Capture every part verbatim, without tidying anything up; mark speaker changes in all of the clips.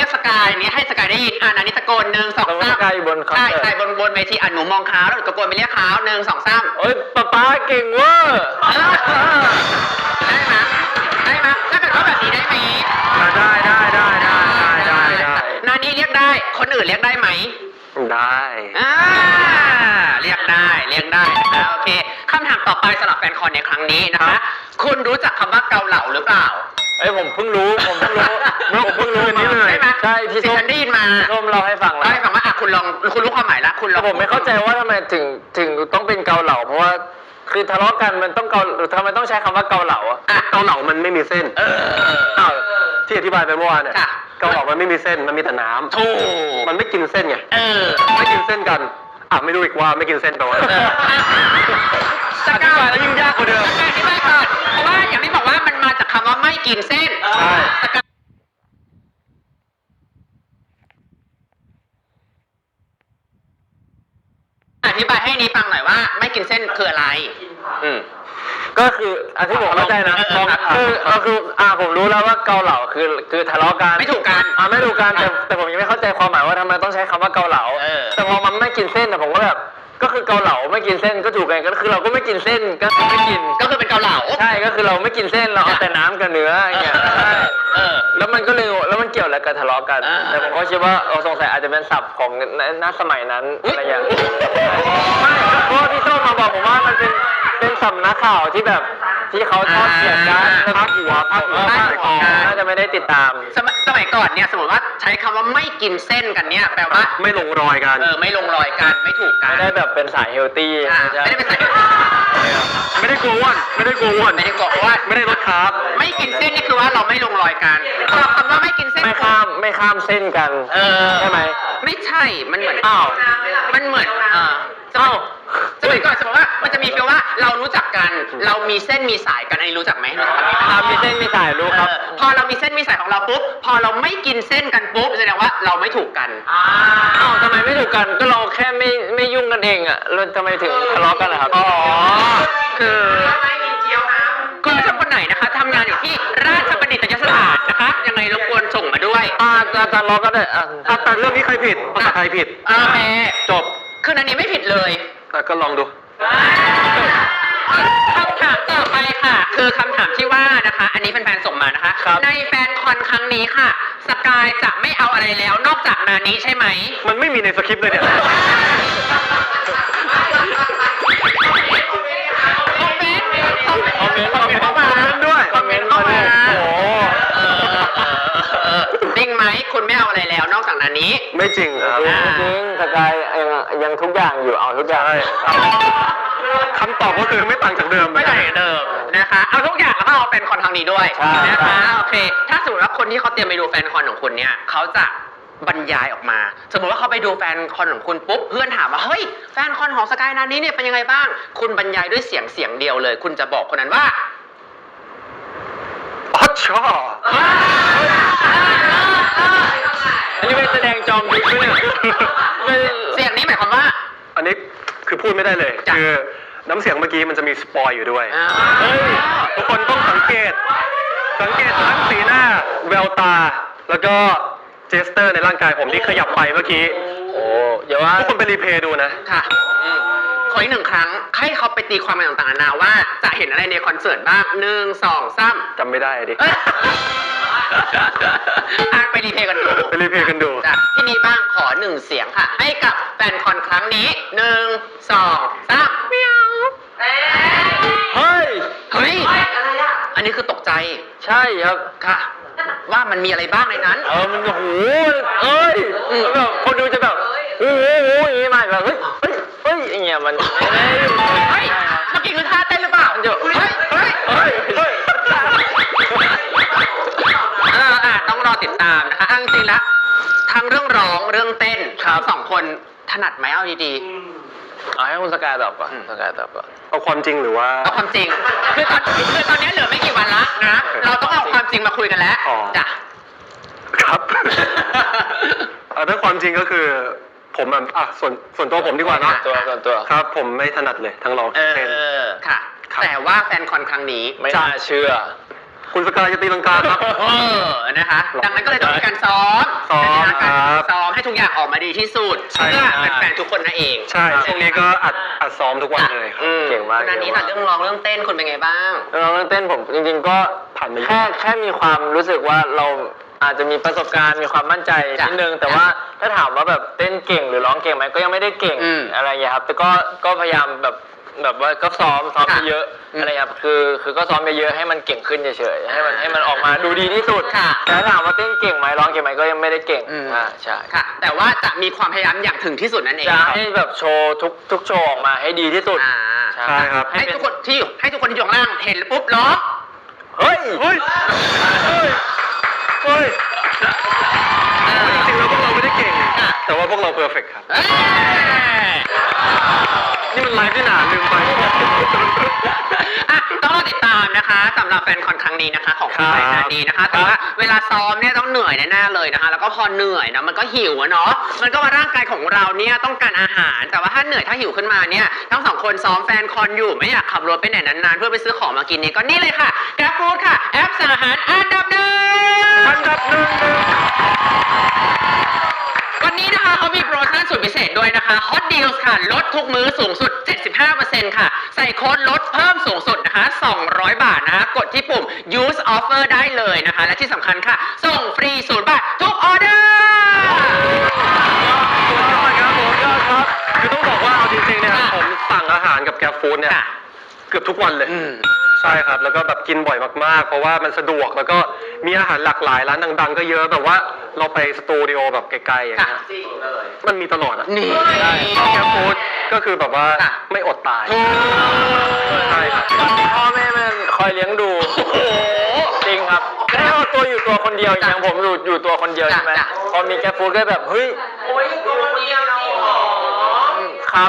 Speaker 1: กสกายนี้ให้สกายได้ยินอ่านันนี้ตะโกนหนึ่งสองสาม
Speaker 2: สกายอยู่บนคอนเสิร์ต
Speaker 1: ใช่ใช่บนบนเวทีอ่ะหนูมองเขาแล้วหนูตะโกนไปเรียกเขาหนึ่งสองสาม
Speaker 2: โอ้ยป๊าป๊าเก่งเวอร์
Speaker 1: ได้ไหมได้ไหมถ้าเกิดว่าแบบนี้ได้ไหม
Speaker 2: ได้ได้ได้ได้ได้ได้
Speaker 1: นานี้เรียกได้คนอื่นเรียกได้ไหม
Speaker 2: ได้
Speaker 1: อ่าเรียกได้เรียกได้นะคะโอเคคำถามต่อไปสำหรับแฟนคอนในครั้งนี้นะคะคุณรู้จักคำว่าเกาเหลาหรือเปล่า
Speaker 2: เอ้ยผมเพิ่งรู้ผมเพิ่งรู้ผมเพิ่งรู้นี้เลยใช่พี่ส้ม
Speaker 1: ได้ยินมา
Speaker 2: ส้มเราให้ฟังแล้ว
Speaker 1: ให้ฟังว่าอ่ะคุณลองคุณรู้ความหมายละคุณลอง
Speaker 2: ผมไม่เข้าใจว่าทำไมถึงถึงต้องเป็นเกาเหลาเพราะว่าคือทะเลาะกันมันต้องเกาทำไมต้องใช้คำว่าเกาเหลาอ่ะเกาเหลามันไม่มีเส้นเออที่อธิบายไปเมื่อวานเนี่ยเกาเหลามันไม่มีเส้นมันมีแต่น้ำถูกมันไม่กินเส้นไงเออไม่กินเส้นกันอ่ะไม่รู้อีกว่าไม่กินเส้นแปลว่าอธิบายแล้วยิ่งยากกว่าเดิม
Speaker 1: อธิบายก่อนเพราะว่าอย่างที่บอกว่ามันมาจากคำว่าไม่กินเส้นใช่อธิบายให้นี้ฟังหน่อยว่าไม่กินเส้นคืออะไร
Speaker 2: อืมก็คืออันที่ผมเข้าใจนะคือก็คืออ่าผมรู้แล้วว่าเกาเหลาคือคือทะเลาะกัน
Speaker 1: ไม่ถูกกัน
Speaker 2: อ่าไม่ถูกกันแต่แต่ผมยังไม่เข้าใจความหมายว่าทำไมต้องใช้คำว่าเกาเหลาแต่พอมันไม่กินเส้นนะผมก็แบบก็คือเกาเหลาไม่กินเส้นก็ถูกกันก็คือเราก็ไม่กินเส้นก็ไม่กิน
Speaker 1: ก็คือเป็นเกาเหลา
Speaker 2: ใช่ก็คือเราไม่กินเส้นเราเอาแต่น้ำกับเนื้ออย่างเงี้ยใช่แล้วมันก็เลยแล้วมันเกี่ยวอะไรกับทะเลาะกันแต่ผมก็คิดว่าเออสงสัยอาจจะเป็นศัพท์ของณสมัยนั้นอะไรอย่างไม่เพราะพี่โต้มาบอกผมว่ามันเป็นเป็นสำนักข่าวที่แบบที่เขาชอบเขียนกันพักหัวพักหัวพักหัวน่าจะไม่ได้ติดตาม
Speaker 1: สมัยสมัยก่อนเนี่ยสมมติว่าใช้คำว่าไม่กินเส้นกันเนี่ยแปลว่า
Speaker 2: ไม่ลงรอยกัน
Speaker 1: เออไม่ลงรอยกันไม่ถูกกัน
Speaker 2: ไม่ได้แบบเป็นสายเฮลตี้
Speaker 1: ไม่ได้เป็นสาย
Speaker 2: ไม่ได้กลัวอ้วนไม่ได้กลัวอ้วน
Speaker 1: ไม่ได้กลัวอ้วน
Speaker 2: ไม่ได้ลดคาร์บ
Speaker 1: ไม่กินเส้นนี่คือว่าเราไม่ลงรอยกันคำว่าไม่กินเส้น
Speaker 2: ไม่ข้ามไม่ข้ามเส้นกัน
Speaker 1: เออ
Speaker 2: ใช่ไหม
Speaker 1: ไม่ใช่มันเหมือนอ้าวมันเหมือนอ่าอ้าวสมัยก่อนสมมติว่ามันจะมีฟีลว่าเรารู้จักกันเรามีเส้นมีสายกันอันนี้รู้จักไหมรู้จักไหม
Speaker 2: เรามีเส้นมีสายรู้ครับ
Speaker 1: พอเรามีเส้นมีสายของเราปุ๊บพอเราไม่กินเส้นกันปุ๊บแสดงว่าเราไม่ถูกกัน
Speaker 2: อ้าวทำไมไม่ถูกกันก็เราแค่ไม่ไม่ยุ่งกันเองอ่ะเราทำไมถึงทะเลาะกันล่ะครับอ๋อ
Speaker 1: คือคุณผู้ชมคนไหนนะคะทำงานอยู่ที่ราชบัณฑิตยสถานนะคะยังไงรบกวนส่งมาด้วย
Speaker 2: อ่าอาจารย์ล้อก็ได้อ่าแต่เรื่องนี้ใครผิดภาษาไทยผิด
Speaker 1: โอเค
Speaker 2: จบ
Speaker 1: คืออันนี้ไม่ผิดเลย
Speaker 2: แต่ก็ลองดู
Speaker 1: คำถามต่อไปค่ะคือคำถามที่ว่านะคะอันนี้แฟนๆส่งมานะคะในแฟนคอนครั้งนี้ค่ะสกายจะไม่เอาอะไรแล้วนอกจากนานี้ใช่ไหม
Speaker 2: มันไม่มีในสคริปต์เลยเนี่ย
Speaker 1: คอมเมนต์คอมเมนต์คอมเมนต์คอมเมนต์เข้ามา
Speaker 2: ด้วย
Speaker 1: คอมเมนต์เข้ามาโอ้จริงไหมคุณไม่เอาอะไรแล้วนอกจากนานี้
Speaker 2: ไม่จริงครับจริงสกายยังยังทุกอย่างอยู่เอาทุกอย่างคำตอบก็คือไม่ต่างจากเดิม
Speaker 1: ไม่ต่างจากเดิมนะคะเอาทุกอย่างแล้วก็เอาแฟนคอนทางนี้ด้วยนะคะโอเคถ้าสมมติว่าคนที่เขาเตรียมไปดูแฟนคอนของคุณเนี่ยเขาจะบรรยายออกมาสมมติว่าเขาไปดูแฟนคอนของคุณปุ๊บเพื่อนถามว่าเฮ้ยแฟนคอนของสกายนานี้เนี่ยเป็นยังไงบ้างคุณบรรยายด้วยเสียงเสียงเดียวเลยคุณจะบอกคนนั้นว่า
Speaker 2: อ๋อชอบอันนี้เป็นแสดงจอมยุทธเนี่ย
Speaker 1: เสียงนี้หมายความว่า
Speaker 2: อันนี้คือพูดไม่ได้เลยคือน้ำเสียงเมื่อกี้มันจะมีสปอยอยู่ด้วยทุกคนต้องสังเกตสังเกตทั้งสีหน้าแววตาแล้วก็เจสเตอร์ในร่างกายผมที่ขยับไปเมื่อกี้โอ้เดี๋ยวว่าทุกคนไปรีเพลย์ดูนะ
Speaker 1: ค่ะขออีกหนึ่งครั้งให้เขาไปตีความต่างๆนานาว่าจะเห็นอะไรในคอนเสิร์ตบ้างหนึ่งสองสาม
Speaker 2: จำไม่ได้ดิ
Speaker 1: ไปรีเพลย์กันดู
Speaker 2: ไปรีเพลย์กันดู
Speaker 1: ที่นี่บ้างขอหนึ่งเสียงค่ะให้กับแฟนคอนครั้งนี้หนึ่งสองสามเมียว
Speaker 2: เฮ้ย
Speaker 1: เฮ้ยอันนี้คือตกใจ
Speaker 2: ใช่ครับ
Speaker 1: ค่ะว่ามันมีอะไรบ้างในนั้น
Speaker 2: เออมันโอ้โหเอ้ยแบบคนดูจะแบบโอ้โหอย่างนี้มาแบบเฮ้ยเฮ้ยเฮ้ยอย่างเงี้ยมัน
Speaker 1: เฮ้ยเมื่อกี้คือท่าเต้นหรือเปล่าเฮ้ยเฮ้ยเฮ้ยเฮ้ยเอออ่ะต้องรอติดตามนะคะจริงๆแล้วทั้งเรื่องร้องเรื่องเต้นทั้งสองคนถนัดไหมเอาดีๆ
Speaker 2: เอาให้คุณสกายตอบก่อนสกายตอบก่อนเอาความจริงหรือว่า
Speaker 1: เอาความจริงคือตอนคือตอนนี้เหลือไม่กี่วันละนะเราต้องเอาความจริงมาคุยกันแล้วจ้ะ
Speaker 2: ครับถ้าความจริงก็คือผมอ่ะส่วนส่วนตัวผมดีกว่าเนาะตัวส่วนตัวครับผมไม่ถนัดเลยทั้งร้องเต้น
Speaker 1: ค่ะแต่ว่าแฟนคอนครั้งนี้
Speaker 2: ไม่น่าเชื่อคุณสกายจะตีลังกาครับ
Speaker 1: เออนะคะดังนั้นก็เลยต้องมีการซ้อม
Speaker 2: ซ้อม
Speaker 1: นะคะการ
Speaker 2: ครับ
Speaker 1: ซ้อมให้ทุกอย่างออกมาดีที่สุด
Speaker 2: ใช่
Speaker 1: เพื่อ
Speaker 2: ครับ
Speaker 1: แฟนๆทุกคนนั่นเอง
Speaker 2: ใช่ช่วงนี้ก็อัดอัดซ้อมทุกวันเลย
Speaker 1: อืม
Speaker 2: เก่งมาก
Speaker 1: วันนั้นนี้ค่ะเรื่องร้องเรื่องเต้นคุณเป็นไงบ้าง
Speaker 2: เรื่องร้องเรื่องเต้นผมจริงๆก็ผ่านมาแค่แค่มีความรู้สึกว่าเราอาจจะมีประสบการณ์มีความมั่นใจ
Speaker 1: จ้ะ
Speaker 2: นิดนึงแต่ว่าถ้าถามว่าแบบเต้นเก่งหรือร้องเก่งไหมก็ยังไม่ได้เก่ง
Speaker 1: อืม
Speaker 2: อะไรอย่างเงี้ยครับแต่ก็ก็พยายามแบบแบบว่าก็ซ้อมซ้อม
Speaker 1: ค่ะ
Speaker 2: เยอะ
Speaker 1: อืม
Speaker 2: ๆอะไรครับคือคือก็ซ้อมเยอะๆให้มันเก่งขึ้นเฉยๆให้มันให้มันออกมาดูดีที่สุด
Speaker 1: ค่ะ
Speaker 2: แต่ถ้าถามว่าเต้นเก่งไหมร้องเก่งไหมก็ยังไม่ได้เก่ง
Speaker 1: อืม
Speaker 2: อ่าใช่
Speaker 1: ค่ะ แต่ว่าจะมีความพยายามอย่างถึงที่สุดนั่นเอง
Speaker 2: จะให้แบบโชว์ทุกทุกโชว์ออกมาให้ดีที่สุด
Speaker 1: อ่า
Speaker 2: ใช่ครับ
Speaker 1: ให้ทุกคนที่อยู่ให้ทุกคนที่อยู่ข้างล่างเห็นแล้วปุ๊บร้อง
Speaker 2: เฮ้ยเฮ้ยเฮ้ยเฮ้ย
Speaker 1: เออ
Speaker 2: จริงๆแล้วพวกเราไม่ได้เก่ง
Speaker 1: ค่ะ
Speaker 2: แต่ว่าพวกเราเพอร์เฟกครับ
Speaker 1: เอ้ย
Speaker 2: นี่มันไลฟ์ที่หนาลืมไป
Speaker 1: อ่ะต้องรอติดตามนะคะสำหรับแฟนคอนครั้งนี้นะคะ ของคุณใหม่นาดีนะคะ แต่ว่าเวลาซ้อมเนี่ยต้องเหนื่อยแน่ๆเลยนะคะ แล้วก็พอเหนื่อยนะมันก็หิวอะเนาะมันก็ว่าร่างกายของเราเนี่ยต้องการอาหาร แต่ว่าถ้าเหนื่อยถ้าหิวขึ้นมาเนี่ยทั้งสองคนซ้อมแฟนคอนอยู่ไม่อยากขับรถไปไหนนานๆเพื่อไปซื้อของมากินเนี่ยก็นี่เลยค่ะแกร็บฟู้ดค่ะแอปสั่งอาหารอันดับหนึ่ง
Speaker 2: อันดับหนึ่ง
Speaker 1: วันนี้นะคะเขามีโปรโมชั่นสุดพิเศษด้วยนะคะ Hot Deals ค่ะ ลดทุกมื้อสูงสุด เจ็ดสิบห้าเปอร์เซ็นต์ ค่ะ ใส่โค้ดลดเพิ่มสูงสุดนะคะ สองร้อยบาทนะคะ กดที่ปุ่ม use offer ได้เลยนะคะ และที่สำคัญค่ะ ส่งฟรีศูนย์บาททุกออเดอร์
Speaker 2: สุดยอดครับผมยอดครับ คือต้องบอกว่าเอาจริงๆเนี่ย
Speaker 1: ค่ะ
Speaker 2: ผมสั่งอาหารกับแกร็บฟู้ดเนี่ย
Speaker 1: ค่ะ
Speaker 2: เกือบทุกวันเลย
Speaker 1: อืม
Speaker 2: ใช่ครับ แล้วก็แบบกินบ่อยมากๆ เพราะว่ามันสะดวกแล้วก็มีอาหารหลากหลายร้านดังๆ ก็เยอะแบบว่าเราไปสตูดิโอแบบไกลๆอย่าง
Speaker 1: ค่ะ
Speaker 2: เงี้ยมันมีตลอดอ่ะ
Speaker 1: นี่
Speaker 2: ใช่แกร็บฟู้ดก็คือแบบว่า
Speaker 1: ค่ะ
Speaker 2: ไม่อดตาย
Speaker 1: โอ้
Speaker 2: ใช่ครับพ่อแม่มันคอยเลี้ยงดู
Speaker 1: โห
Speaker 2: จริงครับถ้าเอาตัวอยู่ตัวคนเดียวอ
Speaker 1: จ้ะ
Speaker 2: ย่างผมอยู่อยู่ตัวคนเดียว
Speaker 1: จ้ะ
Speaker 2: ใช่ไหม
Speaker 1: จ้ะ
Speaker 2: พอมีแกร็บฟู้ดก็แบบเฮ้ย
Speaker 1: โอ้ยตัวคนเดียวนะหรอ
Speaker 2: ครับ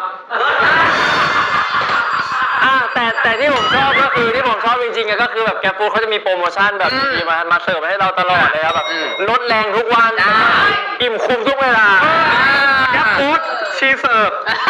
Speaker 2: อ่าแต่แต่ที่ผมชอบก็คือที่ผมชอบจริงๆอะก็คือแบบแกร็บฟู้ดเขาจะมีโปรโมชั่นแบบ
Speaker 1: อืม
Speaker 2: ดีมามาเสิร์ฟให้เราตลอดเลยครับแบบ
Speaker 1: อืม
Speaker 2: ลดแรงทุกวัน
Speaker 1: ได้
Speaker 2: อิ่มคุ้มทุกเวลาแกร็บฟู้ดชีเสิร์ฟ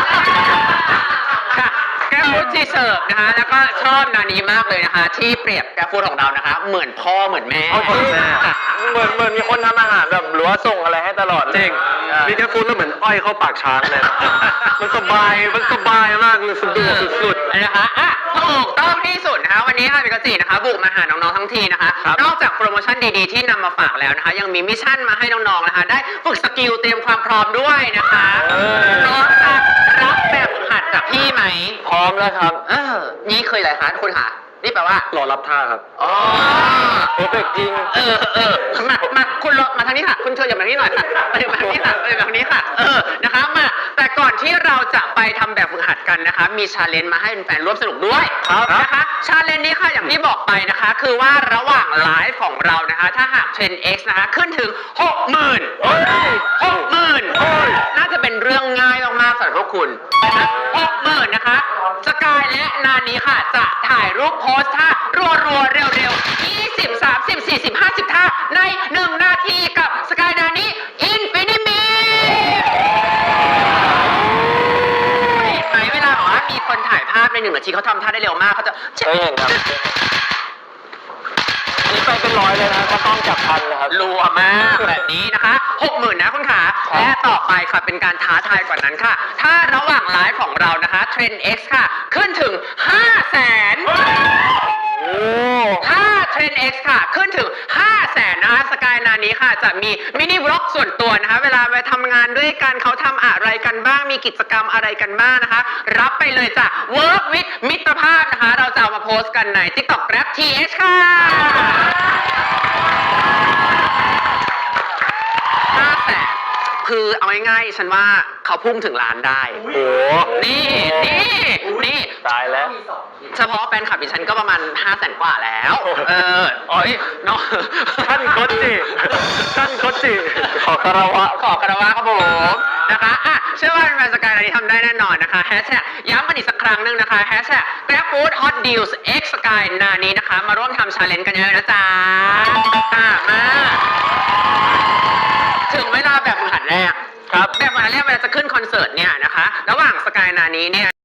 Speaker 1: ค่ะแกร็บฟู้ดที่เสิร์ฟนะคะ แล้วก็ชอบนานี้มากเลยนะคะ ที่เปรียบแกร็บฟู้ดของเรานะคะ เหมือนพ่อเหมือนแม่
Speaker 2: เอาจริง
Speaker 1: ค่ะ
Speaker 2: เหมือนเหมือนมีคนทำอาหารแบบหรือว่าส่งอะไรให้ตลอดจริงมีแกร็บฟู้ดแล้วเหมือนอ้อยเข้าปากช้างเลย มันสบายมันสบายมากเลยสะดวกสุด
Speaker 1: นะคะอ่ะถูกต้องที่สุดนะคะ วันนี้ค่ะพิกาจินะคะ บุกมาหาน้องๆทั้งทีนะคะ
Speaker 2: ครับ
Speaker 1: นอกจากโปรโมชั่นดีๆที่นำมาฝากแล้วนะคะ ยังมีมิชชั่นมาให้น้องๆนะคะ ได้ฝึกสกิลเตรียมความพร้อมด้วยนะคะพร้อมจะรับแบบฝึกหัดจากพี่ไหม
Speaker 2: ๆพร้อมแล้วครับ
Speaker 1: เออ นี่เคยอะไรคะคุณคะนี่แปลว่า
Speaker 2: รอรับท่าครับ
Speaker 1: อ๋อ
Speaker 2: เพอร์เฟกจริง
Speaker 1: เออเออมา มา คุณรอมาทางนี้ค่ะ คุณเธออย่ามาทางนี้หน่อยค่ะมาทางนี้ค่ะมาทางนี้ค่ะ เออ นะคะ มา แต่ก่อนที่เราจะไปทำแบบฝึกหัดกันนะคะ มีชาเลนจ์มาให้แฟนๆร่วมสนุกด้วย
Speaker 2: ครับ
Speaker 1: นะคะ ชาเลนจ์นี้ค่ะ อย่างที่บอกไปนะคะ คือว่าระหว่างไลฟ์ของเรานะคะ ถ้าหากเทรน X นะคะ ขึ้นถึง หกหมื่น
Speaker 2: เฮ้ย
Speaker 1: หกหมื่น
Speaker 2: เฮ้ย
Speaker 1: น่าจะเป็นเรื่องง่ายมากๆสำหรับพวกคุณนะคะหกหมื่นนะคะ สกายและนานี้ค่ะ จะถ่ายรูปโพสท่ารัวๆ เร็วๆ ยี่สิบ สามสิบ สี่สิบ ห้าสิบท่าในหนึ่งนาทีกับสกายนานี้อินฟินิมีเห็นไหมเวลาบอกว่ามีคนถ่ายภาพในหนึ่งนาทีเขาทำท่าได้เร็วมากเขาจะ
Speaker 2: เคยเห็นครับอันนี้ไปเป็นร้อยเลยนะเขาต้องจับพันนะครับ
Speaker 1: รัวมากแบบนี้นะคะหกหมื่นนะคุณขา
Speaker 2: ครับ
Speaker 1: และต่อไปค่ะเป็นการท้าทายกว่านั้นค่ะ ถ้าระหว่างไลฟ์ของเรานะคะเทรน X ค่ะ ขึ้นถึง ห้าแสน
Speaker 2: โอ้
Speaker 1: ถ้าเทรน X ค่ะ ขึ้นถึง ห้าแสนนะคะสกายนานี้ค่ะ จะมีมินิบล็อกส่วนตัวนะคะ เวลาไปทำงานด้วยกันเขาทำอะไรกันบ้าง มีกิจกรรมอะไรกันบ้างนะคะ รับไปเลยจ้ะ Work with มิตรภาพนะคะ เราจะเอามาโพสต์กันใน TikTok Grab ที เอช ค่ะ ห้าแสนคือเอาง่ายๆฉันว่าเขาพุ่งถึงล้านได้
Speaker 2: โห
Speaker 1: นี่ นี่ นี่
Speaker 2: ตายแล้ว
Speaker 1: เฉพาะแฟนคลับดิฉันก็ประมาณห้าแสนกว่าแล้ว เออโอ้ยน้อง
Speaker 2: ท่านโคจิท่านโคจิขอคารวะ
Speaker 1: ขอคารวะครับผมนะคะอ่ะเชื่อว่าแฟนสกายนานี้ทำได้แน่นอนนะคะแฮชแท็กย้ำกันอีกสักครั้งหนึ่งนะคะแฮชแท็ก GrabFood Hot Deals X Sky นานี้นะคะ มาร่วมทำชาเลนจ์กันเยอะนะจ๊ะอ่ะมา ถึงเวลาแบบฝึกหัดแรก
Speaker 2: ครับ
Speaker 1: แบบฝึกหัดแรกเวลาจะขึ้นคอนเสิร์ตเนี่ยนะคะ ระหว่างสกายนานี้เนี่ย